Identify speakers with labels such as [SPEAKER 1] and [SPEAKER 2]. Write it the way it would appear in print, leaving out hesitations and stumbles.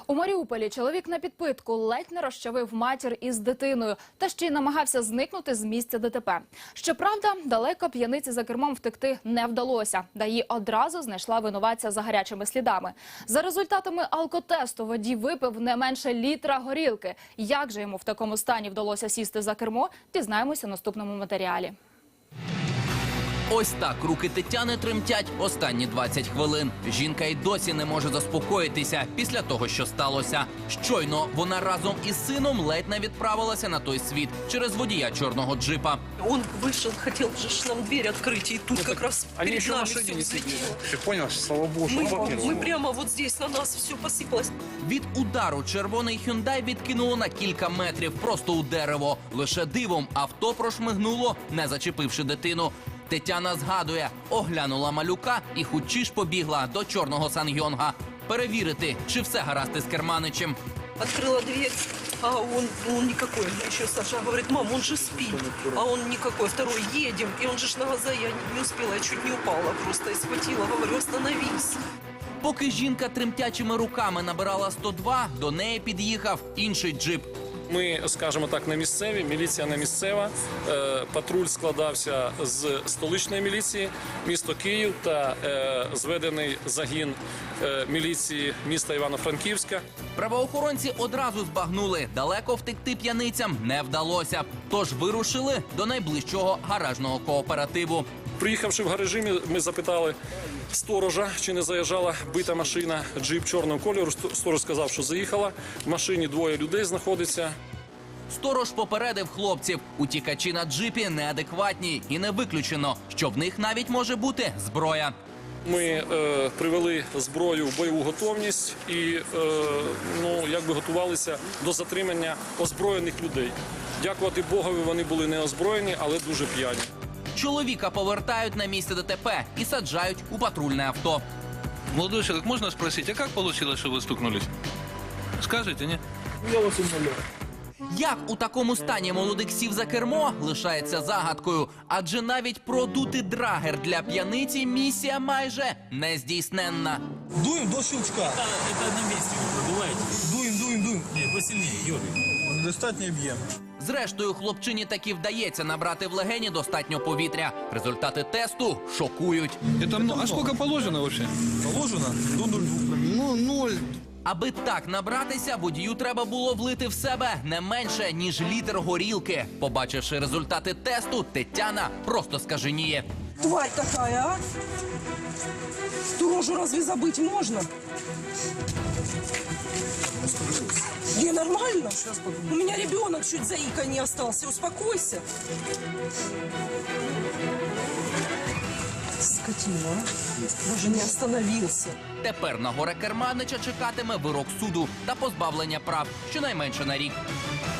[SPEAKER 1] У Маріуполі чоловік на підпитку ледь не розчавив матір із дитиною та ще й намагався зникнути з місця ДТП. Щоправда, далеко п'яниці за кермом втекти не вдалося. ДАІ одразу знайшла винуватця за гарячими слідами. За результатами алкотесту водій випив не менше літра горілки. Як же йому в такому стані вдалося сісти за кермо, дізнаємося в наступному матеріалі.
[SPEAKER 2] Ось так руки Тетяни тремтять останні 20 хвилин. Жінка й досі не може заспокоїтися після того, що сталося. Щойно вона разом із сином ледь не відправилася на той світ через водія чорного джипа.
[SPEAKER 3] Он вышел, хотел же нам дверь открыть, и тут как раз перед нами все взлетело.
[SPEAKER 4] Ты понял, слава богу, что
[SPEAKER 3] Мы прямо вот здесь на нас все посыпалось.
[SPEAKER 2] Від удару червоний «Хюндай» відкинуло на кілька метрів просто у дерево. Лише дивом авто прошмигнуло, не зачепивши дитину. Тетяна згадує, оглянула малюка і хутчі ж побігла до чорного Сан-Йонга. Перевірити, чи все гаразд із керманичем.
[SPEAKER 3] Открыла дверь, а он никакой. Еще Саша говорит: мам, он же спит. А он никакой. Второй: едем. И он же ж на газа, я не успела, я чуть не упала просто и схватила. Говорю: остановись.
[SPEAKER 2] Поки жінка тремтячими руками набирала 102, до неї під'їхав інший джип.
[SPEAKER 4] Ми, скажімо так, не місцеві, міліція не місцева. Патруль складався з столичної міліції, місто Київ та зведений загін міліції міста Івано-Франківська.
[SPEAKER 2] Правоохоронці одразу збагнули, далеко втекти п'яницям не вдалося. Тож вирушили до найближчого гаражного кооперативу.
[SPEAKER 4] Приїхавши в гаражі, ми запитали сторожа, чи не заїжджала бита машина, джип чорного кольору. Сторож сказав, що заїхала. В машині двоє людей знаходиться.
[SPEAKER 2] Сторож попередив хлопців, утікачі на джипі неадекватні і не виключено, що в них навіть може бути зброя.
[SPEAKER 4] Ми привели зброю в бойову готовність і якби готувалися до затримання озброєних людей. Дякувати Богові, вони були не озброєні, але дуже п'яні.
[SPEAKER 2] Чоловіка повертають на місце ДТП і саджають у патрульне авто.
[SPEAKER 5] Молодой человек, можно спросить, а как получилось, что вы стукнулись? Скажите, не?
[SPEAKER 2] Як у такому стані молодик сів за кермо, лишається загадкою. Адже навіть продути драгер для п'яниці місія майже нездійсненна.
[SPEAKER 6] Дуем до щелчка.
[SPEAKER 7] Это на месте вы продуваете.
[SPEAKER 6] Дуем.
[SPEAKER 7] Нет, посильнее, Юрий.
[SPEAKER 6] Достатньо об'єм.
[SPEAKER 2] Зрештою, хлопчині таки вдається набрати в легені достатньо повітря. Результати тесту шокують.
[SPEAKER 5] А сколько положено вообще?
[SPEAKER 6] Положено до 0,2. 0.
[SPEAKER 2] Аби так набратися, водію треба було влити в себе не менше, ніж літр горілки. Побачивши результати тесту, Тетяна просто скаженіє.
[SPEAKER 3] Тварь такая, а? Сторожу разве забыть можно? Не, нормально. У меня ребенок чуть заика не остался. Успокойся. Скотина, а? Даже не остановился.
[SPEAKER 2] Тепер на горе керманича чекатиме вирок суду та позбавлення прав щонайменше на рік.